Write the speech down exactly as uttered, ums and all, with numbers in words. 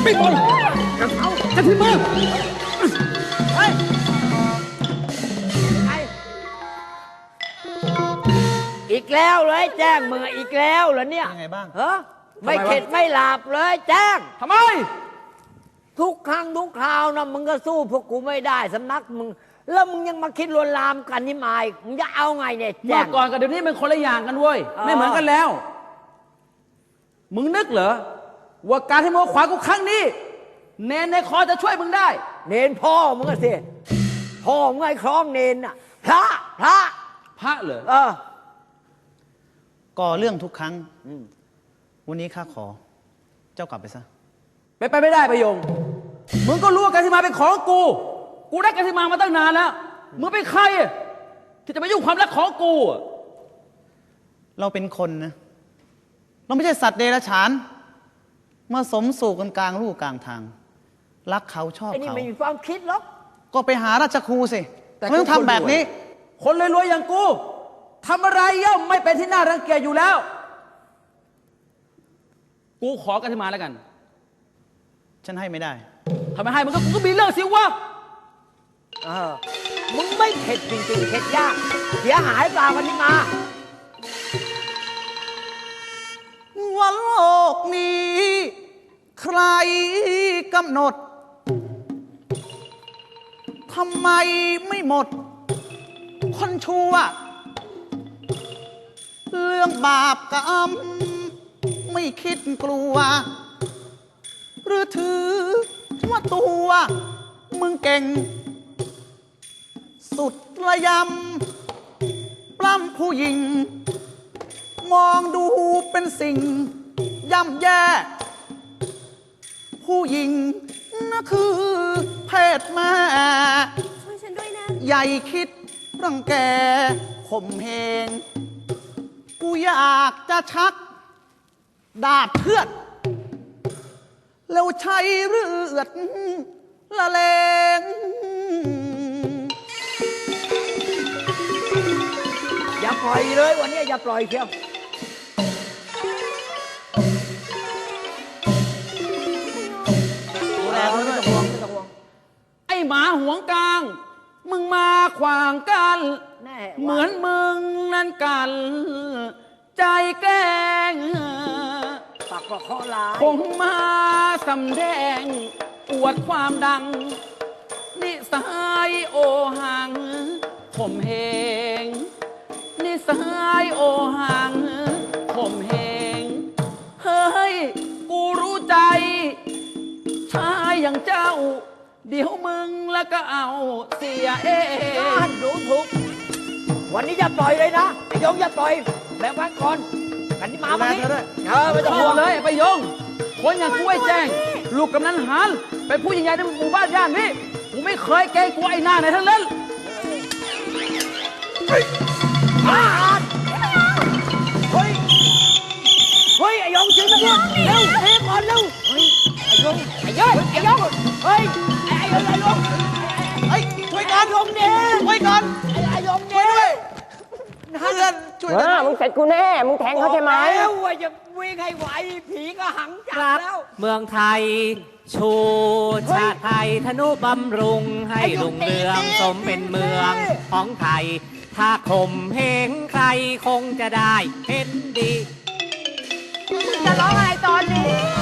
ไม่บอลกับเขาจะที่มือเฮ้ยอีกแล้วเลยแจ้งมึงอีกแล้วเหรอเนี่ยยังไงบ้างเฮ้ไม่เข็ดไม่หลับเลยแจ้งทำไมทุกครั้งทุกคราวนะมึงก็สู้พวกกูไม่ได้สำนักมึงแล้วมึงยังมาคิดลวนลามกันนี่มายมึงจะเอาไงเนี่ยแจ้งเมื่อก่อนกับเดี๋ยวนี้มันคนละอย่างกันเว้ยไม่เหมือนกันแล้วมึงนึกเหรอว่าการที่มึงขวากูครั้งนี้เนนในคอจะช่วยมึงได้เนนพ่อมึงก็สิพ่อมึงไอ้คล้องเนนน่ะพระพระพระเหรอเออก่อเรื่องทุกครั้งวันนี้ข้าขอเจ้ากลับไปซะไปไปไม่ได้ประโยงมึงก็รู้ว่าการที่มาเป็นของกูกูได้การที่มามาตั้งนานแล้วมึงเป็นใครที่จะมายุ่งความรักของกูเราเป็นคนนะเราไม่ใช่สัตว์เดรัจฉานมาสมสู่กันกลางลู่กลางทางรักเขาชอบเขาไอ้นี่ไม่มีความคิดหรอกก็ไปหาราชครูสิแต่ไม่ต้องทำแบบนี้คนรวยๆอย่างกูทำอะไรย่อมไม่เป็นที่น่ารังเกียจอยู่แล้วกูขอกันที่มาแล้วกันฉันให้ไม่ได้ทำไมให้มันก็กูก็มีเรื่องสิวะเออมึงไม่เข็ดจริงๆเข็ดยากเสียหายเปล่ากันที่มาว่าโลกนี้ใครกำหนดทำไมไม่หมดคนชั่วเรื่องบาปกรรมไม่คิดกลัวหรือถือว่าตัวมึงเก่งสุดระยำปล้ำผู้หญิงมองดูเป็นสิ่งย่ำแย่ผู้หญิงนั่นคือเพศแม่ช่วยฉันด้วยนะใหญ่คิดรังแกข่มเหงกูอยากจะชักดาบเชือดแล้วใช้เลือดละเลงอย่าปล่อยเลยวันนี้อย่าปล่อยเชียวดูแลเขาด้วยไอ้หมาหวงกลางมึงมาขวางกันเหมือนมึงนั่นกันใจแกล้งปักประเคาะลายคงมาสำแดงอวดความดังนิสัยโอหังข่มเหงนิสัยโอหังข่มเหงเฮ้ยกูรู้ใจชายอย่างเจ้าเดี๋ยวมึงแล้วก็เอาเสียเองดูถูกวันนี้อย่าปล่อยเลยนะไอ้ยงอย่าปล่อยแบ่งพักก่อนกันที่มาวันนี้เออไม่ต้องห่วงเลยไปยงคนอย่างกูไอ้แจ้งลูกกำนันหานเป็นผู้ใหญ่ในหมู่บ้านย่านนี้กูไม่เคยเกรงกลัวไอ้หน้าไหนทั้งนั้นเฮ้ยเฮ้ยเฮ้ยไอ้ยงจริงนะเนี่ยเร็วเฮ้ยก่อนเร็วเฮ้ยไอ้ยงไอ้ยงไอ้ยงเฮ้ยไอ้ไอ้ยงไอ้ยงเฮ้ยช่วยกันยงเนี่ยช่วยกันไอ้ยงเนี่ยเพื่อนช่วยกันมึงเสร็จกูแน่มึงแทงเขาใช่ไหมแล้วว่าจะวิ่งให้ไหวผีก็หังจับแล้วเมืองไทยชูชาติไทยธนุบำรุงให้รุ่งเรืองสมเป็นเมืองของไทยถ้าข่มเหงใครคงจะได้เห็นดีมึงจะร้องอะไรตอนนี้